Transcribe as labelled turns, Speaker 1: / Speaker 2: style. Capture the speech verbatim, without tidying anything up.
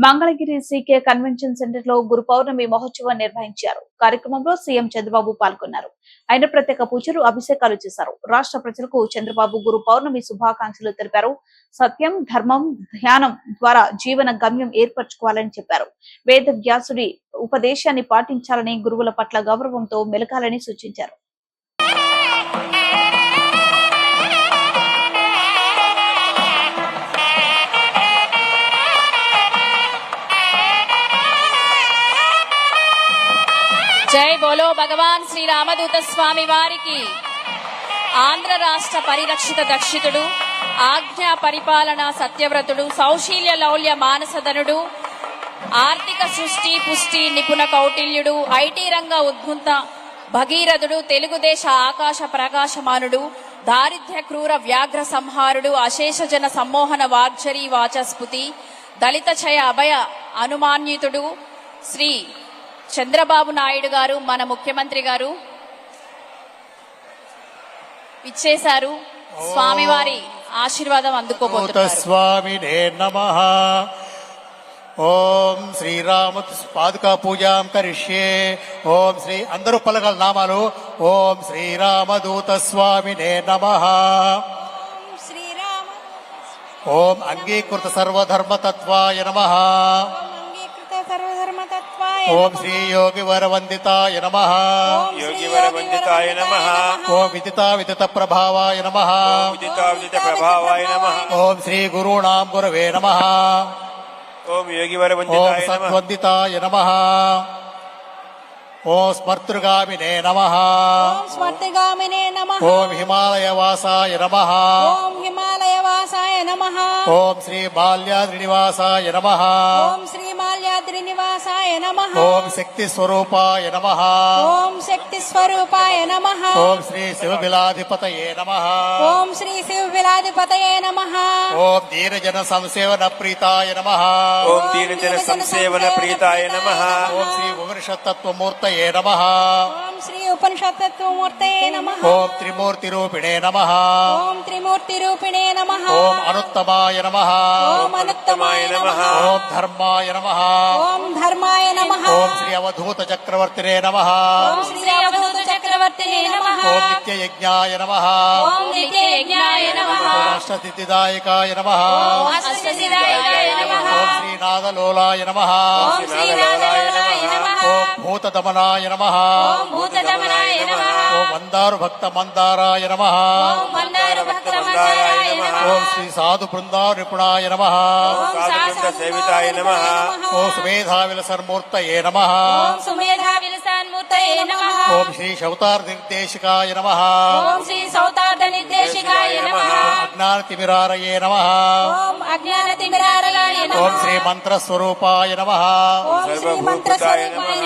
Speaker 1: Mangalagiri CK convention centre లో గురు పౌర్ణమి మహోత్సవం నిర్వహించారు. కార్యక్రమంలో సీఎం చంద్రబాబు పాల్గొన్నారు. ఆయన ప్రత్యేక పూజలు, అభిషేకాలు చేశారు. రాష్ట్ర ప్రజలకు చంద్రబాబు గురు పౌర్ణమి శుభాకాంక్షలు తెలిపారు. సత్యం, ధర్మం, ధ్యానం ద్వారా జీవన గమ్యం ఏర్పరచుకోవాలని చెప్పారు. వేద వ్యాసుడి ఉపదేశాన్ని పాటించాలని, గురువుల పట్ల గౌరవంతో మెలగాలని సూచించారు.
Speaker 2: జై బోలో భగవాన్ శ్రీ రామదూత స్వామి వారికి. ఆంధ్ర రాష్ట్ర పరిరక్షిత దక్షితుడు, ఆజ్ఞా పరిపాలన సత్యవ్రతుడు, సౌశీల్య లౌల్య మానసధనుడు, ఆర్థిక సృష్టి పుష్టి నిపుణ కౌటిల్యుడు, ఐటీ రంగ ఉద్భుంత భగీరథుడు, తెలుగుదేశ ఆకాశ ప్రకాశమానుడు, దారిద్ర్య క్రూర వ్యాఘ్ర సంహారుడు, అశేష జన సమ్మోహన వాగ్జరీ వాచస్పతి, దళిత చయ అభయ అనుమాన్యుతుడు శ్రీ చంద్రబాబు నాయుడు గారు, మన ముఖ్యమంత్రి గారు ఇచ్చేశారు. స్వామివారి ఆశీర్వాదం అందుకోబోతున్నారు.
Speaker 3: స్వామినే నమః. ఓం శ్రీరామ పాదుకా పూజాం కరిష్యే. ఓం శ్రీ అందరూ పలకల నామాలు. ఓం శ్రీరామదూత స్వామినే నమః. ఓం అంగీకృత సర్వధర్మతత్వాయ నమః. ఓం శ్రీ యోగి వరవందితాయ నమః.
Speaker 4: యోగి వరవందితాయ నమః.
Speaker 3: ఓం విదితా విదిత ప్రభావాయ నమః.
Speaker 4: విదితా విదిత ప్రభావాయ నమః.
Speaker 3: ఓం శ్రీ గురుణాం గురవే నమః.
Speaker 4: ఓం యోగి
Speaker 3: ఓం
Speaker 4: వరవందితాయ నమః.
Speaker 3: సత్వందితాయ నమః. ఓం స్మర్తృగామినే నమః.
Speaker 5: స్మర్తృగామినే నమః.
Speaker 3: ఓం హిమాలయవాసాయ నమః.
Speaker 5: ఓం హిమాలయవాసాయ నమః.
Speaker 3: ఓం శ్రీ బాల్యాద్రినివాసాయ నమః.
Speaker 5: ఓం శ్రీ మాల్యాద్రి నివాసాయ నమః.
Speaker 3: ఓం శక్తి స్వరూపాయ నమః.
Speaker 5: ఓం శక్తి స్వరూపాయ నమః.
Speaker 3: ఓం శ్రీ శివబిలాధిపతయే నమః.
Speaker 5: ఓం శ్రీ శివ విలాధిపతయే నమః.
Speaker 3: ఓం దీనజన సంసేవన ప్రీతాయ నమః.
Speaker 4: ఓం దీనజన సంసేవన ప్రీతాయ నమః.
Speaker 3: ఓం శ్రీ ఉపనిషత్తత్వమూర్తయే నమః.
Speaker 5: ఓం శ్రీ ఉపనిషత్తత్వమూర్తయే నమః.
Speaker 3: ఓం త్రిమూర్తి రూపిణే నమః.
Speaker 5: ఓం త్రిమూర్తి రూపిణే నమః.
Speaker 3: ఓం అనుత్తమాయ నమః.
Speaker 5: ఓం అనుత్తమాయ నమః.
Speaker 3: ఓం ధర్మాయ నమః.
Speaker 5: ఓం ధర్మాయ నమః.
Speaker 3: ఓం శ్రీ అవధూత చక్రవర్తినే నమః.
Speaker 5: ఓం శ్రీ అవధూత చక్రవర్తినే నమః.
Speaker 3: ఓం నిత్యయజ్ఞాయ నమః.
Speaker 5: ఓం నిత్యయజ్ఞాయ నమః.
Speaker 3: ఓం అష్టసిద్ధిదాయకాయ నమః.
Speaker 5: ఓం అష్టసిద్ధిదాయకాయ నమః.
Speaker 3: ఓం శ్రీనాథలోలాయ నమః.
Speaker 5: ఓం శ్రీనాథలోలాయ నమః.
Speaker 3: ఓం భూతదమనాయ నమః.
Speaker 5: ఓం భూతదమనాయ నమః.
Speaker 3: ఓం మందారు భక్త మందారాయ నమః.
Speaker 5: ఓం మందార భక్త మందారాయ నమః.
Speaker 3: ఓం శ్రీ సాధు బృందా నిపుణాయ నమః.
Speaker 5: ఓం
Speaker 4: సాధువృంద సేవితాయ నమః.
Speaker 3: ఓం సుమేధావిలసన్మూర్తయే నమః.
Speaker 5: ఓం సుమేధా విలసాన్మూర్తయే నమః.
Speaker 3: ఓం శ్రీ శౌతార్ నిర్దేశికాయ నమః.
Speaker 5: ఓం శ్రీ సౌతార్థ నిర్దేశికాయ నమః.
Speaker 3: అజ్ఞానతిమిరారయే నమః.
Speaker 5: ఓం అజ్ఞాన తిమిరారయాయ నమః.
Speaker 3: ఓం శ్రీ మంత్రస్వరూపాయ నమః.
Speaker 5: ఓం శ్రీ మంత్ర స్వరూపాయ